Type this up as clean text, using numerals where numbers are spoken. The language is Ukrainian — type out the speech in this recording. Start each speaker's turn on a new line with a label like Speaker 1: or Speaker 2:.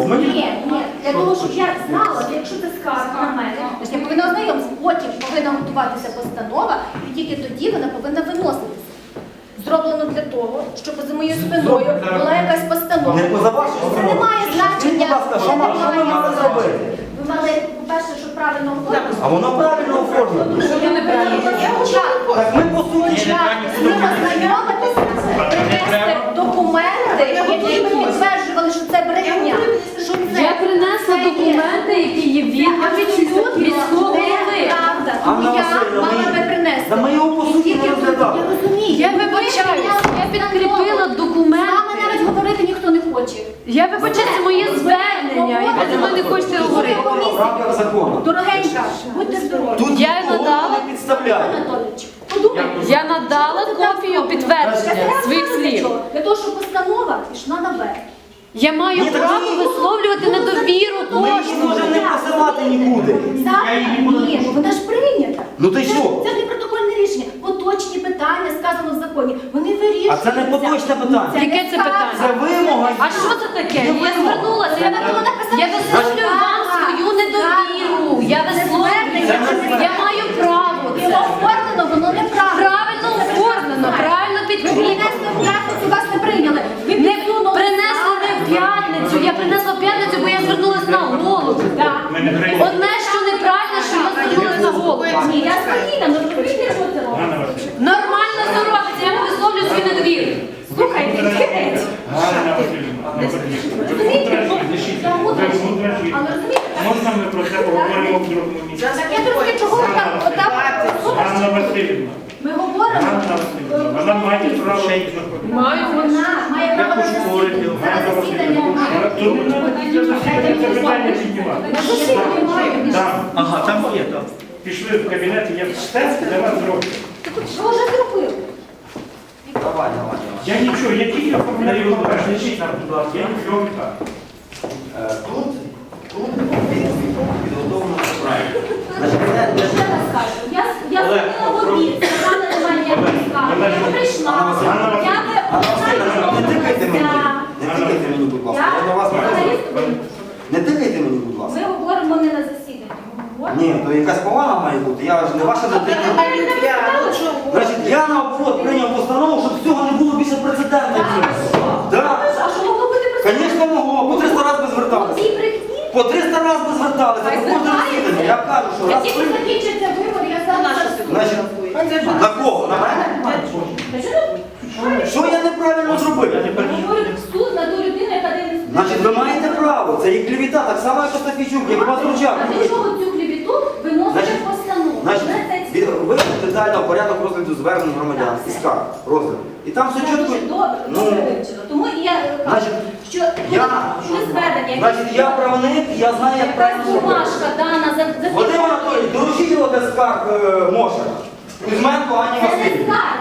Speaker 1: постанову.
Speaker 2: Ні, для того, щоб я знала, що якщо це скарга на мене, я повинна ознайомитися, потім повинна готуватися постанова, і тільки тоді вона повинна виноситися. Зроблено для того, щоб за моєю спиною була якась постанова.
Speaker 1: Не поза вашу
Speaker 2: Це
Speaker 1: установу.
Speaker 2: не має значення.
Speaker 1: Будь ласка, що ми мали зробити?
Speaker 2: Ви мали, по-перше, щоб правильно оформити.
Speaker 1: А воно правильно оформлено. Так ми по суті.
Speaker 2: Ви ознайомитися, принести документи, які б підтверджували, що це брехня. Що це
Speaker 3: Я принесла документи, які є відповідь міського голови.
Speaker 2: правда. Тому
Speaker 1: Анна
Speaker 2: я
Speaker 1: Василівна,
Speaker 2: мала би принести.
Speaker 1: Та ми його по суті не розглядали.
Speaker 2: Я розумію.
Speaker 3: Я вибачаюсь, я підкріпила
Speaker 2: З вами
Speaker 3: документи.
Speaker 2: навіть говорити ніхто не хоче.
Speaker 3: Я вибачаюсь, це моє звернення, і ви зі мною не хочете говорити.
Speaker 1: В рамках закону.
Speaker 2: Дорогенька, будьте здорові.
Speaker 1: Тут
Speaker 3: Я
Speaker 1: ніхто
Speaker 3: надала-
Speaker 1: не підставляє.
Speaker 2: Анатолійович, подумайте.
Speaker 3: Я надала копію підтвердження своїх слів.
Speaker 2: Для того, щоб постанова пішла наверх.
Speaker 3: Я маю
Speaker 1: Ні, так
Speaker 3: право
Speaker 1: ні.
Speaker 3: висловлювати недовіру
Speaker 1: Ми її
Speaker 3: кожному.
Speaker 1: можемо не посилати нікуди.
Speaker 2: Ні, ну вона ж прийнята.
Speaker 1: Ну ти що?
Speaker 2: Це не протокольне рішення. Поточні питання, сказано в законі, вони вирішуються.
Speaker 1: А це не поточне питання.
Speaker 3: Яке це питання?
Speaker 1: Це вимога.
Speaker 3: А що це таке? Я звернулася, я висловлюю вам свою недовіру. Я висловлюю, я маю право.
Speaker 2: І оформлено, воно неправильно.
Speaker 3: Правильно оформлено, правильно
Speaker 2: Ви
Speaker 3: підкріплено.
Speaker 2: принесли в п'ятницю, вас не прийняли. Ви
Speaker 3: Не
Speaker 2: підсунули.
Speaker 3: принесли не в п'ятницю. Я принесла в п'ятницю, бо я звернулася на голову. Одне, що неправильно, що я звернулася на голову.
Speaker 2: Ні, я спокійна, ну розумієте, що це робить?
Speaker 3: Нормально це робиться, я висловлюю свою недовіру.
Speaker 2: Слухайте, геть. Але розумієте,
Speaker 4: Можна ми про це поговоримо в другому місці?
Speaker 2: так я трошки чого ви там,
Speaker 4: Ганна Васильівна,
Speaker 2: ми говоримо.
Speaker 4: Ганна Васильівна, вона має право знаходитися.
Speaker 3: Маю.
Speaker 2: Вона має право на засідання.
Speaker 4: Ганна
Speaker 2: На засідання має.
Speaker 4: Тут не треба після засідання це питання піднімати.
Speaker 2: На засідання має.
Speaker 4: Там,
Speaker 1: Ага, там є, так.
Speaker 4: пішли в кабінет, я все для вас зроблю.
Speaker 2: Що вже зробили?
Speaker 1: Давай.
Speaker 4: Я нічого, я тільки оформляю, лишіть нам, будь ласка, я нічого не так.
Speaker 1: Тут підготовлено правильно.
Speaker 2: Я ще раз кажу, я зробила в обід, сказала, немає ніякої скарги. Я прийшла, я би
Speaker 1: Не тикайте мені. Не тикайте мені, будь ласка. Я до вас не Не тикайте мені, будь ласка.
Speaker 2: Ми говоримо не на засіданні. Ми говоримо.
Speaker 1: Ні, то якась повага має бути. Я ж не ваша дитина. Значить, я наоборот прийняв постанову, щоб цього не було більше прецедентів. Так.
Speaker 2: А що могло бути представлено?
Speaker 1: Звісно, могло. По 300 разів би зверталися.
Speaker 2: Ці брехні?
Speaker 1: По 300 разів би зверталися. По кожне засідання. Я кажу, що
Speaker 2: Як
Speaker 1: раз
Speaker 2: тільки
Speaker 1: прийняв.
Speaker 2: закінчиться вибор, я зараз...
Speaker 1: Значить, на кого? На мене? Що я неправильно зробив?
Speaker 2: Говорить в суд на ту людину, яка не несе.
Speaker 1: Значить, ви маєте право. Це є клівіта, так само, як Остафійчук, як вас Ручак.
Speaker 2: А для чого цю клівіту виносите
Speaker 1: Значить,
Speaker 2: в постанову?
Speaker 1: Значить,
Speaker 2: Це
Speaker 1: ви детально порядок розгляду звернень громадян і скарг розгляду. І там все чітко.
Speaker 2: дуже добре,
Speaker 1: Ну,
Speaker 2: добре вивчила. Тому і я кажу,
Speaker 1: Значить,
Speaker 2: що
Speaker 1: я,
Speaker 2: коли звернення,
Speaker 1: значить, я правник, я знаю, як
Speaker 2: якась
Speaker 1: правильно зробити.
Speaker 2: бумажка дана за
Speaker 1: Вадим Анатолійович, доручіть його для скарг Мошера. Кузьменко Ані
Speaker 2: це не
Speaker 1: Васильівні.
Speaker 2: скарга,